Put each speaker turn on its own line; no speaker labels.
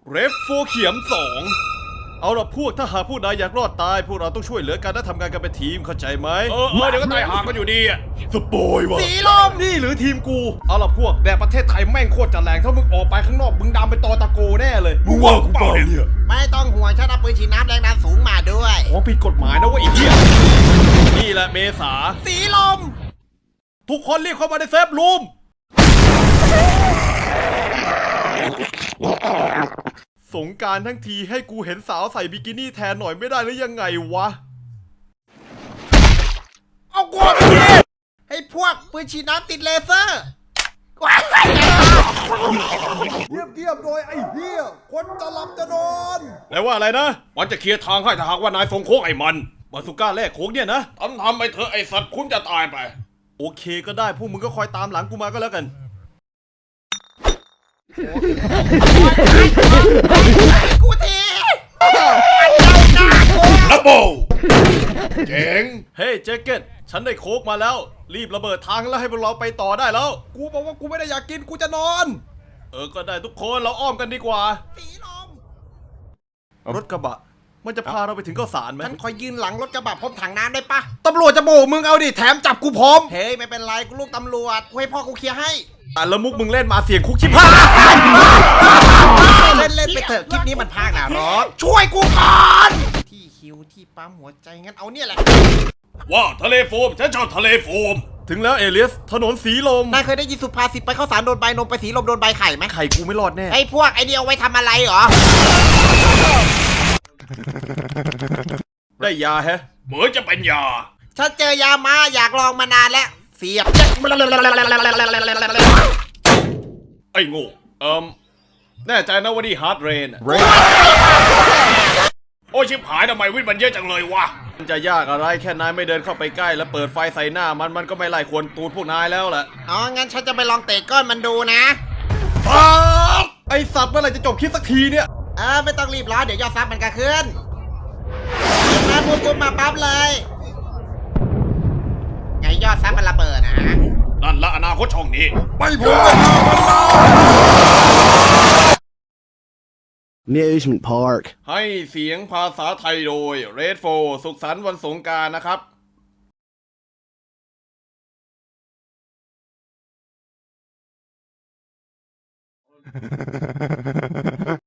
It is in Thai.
เรฟโฟเขียม2เอาล่ะพวกถ้าหากผู้ใดอยากรอดตายพวกเราต้องช่วยเหลือกันและทำงานกันเป็นทีมเข้าใจไหม
เดี๋ยวก็ตายหากันอยู่ดีอะ
สปอยวะ
สีลม
นี่หรือทีมกูเอาล่ะพวกแดดประเทศไทยแม่งโคตรจะแรงถ้ามึงออกไปข้างนอกมึงดำเป็นตอตะโกแน่เลยมึงว่ากูเปล่าเนี่ย
ไม่ต้องห่วงฉันเอาปืนฉีดน้ำแรงดันสูงมาด้วย
ของผิดกฎหมายนะเว้ยไอ้เหี้ยนี่แหละเมษา
สีลม
ทุกคนรีบเข้ามาในเซฟรูมสงกรานต์ทั้งทีให้กูเห็นสาวใส่บิกินี่แทนหน่อยไม่ได้หรือยังไงวะ
เอากลัวไปทีให้พวกปืนฉีดน้ำติดเลเซอร์ว้าย
เงียบๆโดยไอ้เหี้ยคนจะหลับจะนอนแปลว่าอะไรนะ
มันจะเคลียร์ทางให้ถ้าหากว่านายส่งโค้งไอ้มัน
บาสุก้าแรกโค้งเนี่ยนะ
ทำไปเถอะไอ้สัตว์คุณจะตายไป
โอเคก็ได้พวกมึงก็คอยตามหลังกูมาก็แล้วกัน
กูที
ดับเบิลเจ๋ง
เฮ้ยแจ็คเก็ตฉันได้โค้กมาแล้ว รีบระเบิดทางแล้วให้พวกเราไปต่อได้แล้ว กูบอกว่ากูไม่ได้อยากกินกูจะนอน ก็ได้ทุกคนเราอ้อมกันดีกว่า
สีลม
รถกระบะมันจะพาเราไปถึงข้าวสารไหม
ฉันคอยยืนหลังรถกระบะพร้อมถังน้ำได้ปะ
ตำรวจจะโบกมึงเอาดิแถมจับกูพร้อม
เฮ้ยไม่เป็นไรกูลูกตำรวจกูให้พ่อกูเคลียร์ให้
แล้วมุกมึงเล่นมาเสียงคุกชิบหาย
เล่นไปเถอะคลิปนี้มันพากหนารถช่วยกูก่อนที่คิวที่ปั๊มหัวใจงั้นเอาเนี่ยแหละ
ว่าทะเลโฟมฉันชอบทะเลโฟม
ถึงแล้วเอเลียสถนนสีลม
นายเคยได้ยินสุภาษิตไปข้าวสารโดนใบนมไปสีลมโดนใบไข่ไหม
ไข่กูไม่รอดแน่
ไอ้พวกไอเดียวไว้ทำอะไรเหรอ
ได้ยาแฮะ
เหมือนจะเป็นยา
ฉันเจอยามาอยากลองมานานแล้ว เสียบ
ไอ้โง่
แน่ใจนะว่านี่ฮาร์ดเรน
โอ้ยชิบหายทำไมวิ่งมันเยอะจังเลยวะ
มันจะยากอะไรแค่นายไม่เดินเข้าไปใกล้แล้วเปิดไฟใส่หน้ามันก็ไม่ไล่ควรตูดพวกนายแล้วแหละ
อ๋อ งั้นฉันจะไปลองเตะก้อนมันดูนะ
ไอสัตว์เมื่อไหร่จะจบคลิปสักทีเนี่ย
ไม่ต้องรีบร้อนเดี๋ยวยอดซับมันก็ขึ้นมาปุ๊บมาปั๊บเลย ไงยอดซับมันระเบิดนะ
นั่นละอนาคตช่องนี้
ไม่ผมไม่ทำมันนะ
Amusement Park.
ให้เสียงภาษาไทยโดย Red 4สุขสันต์วันสงกรานต์นะครับ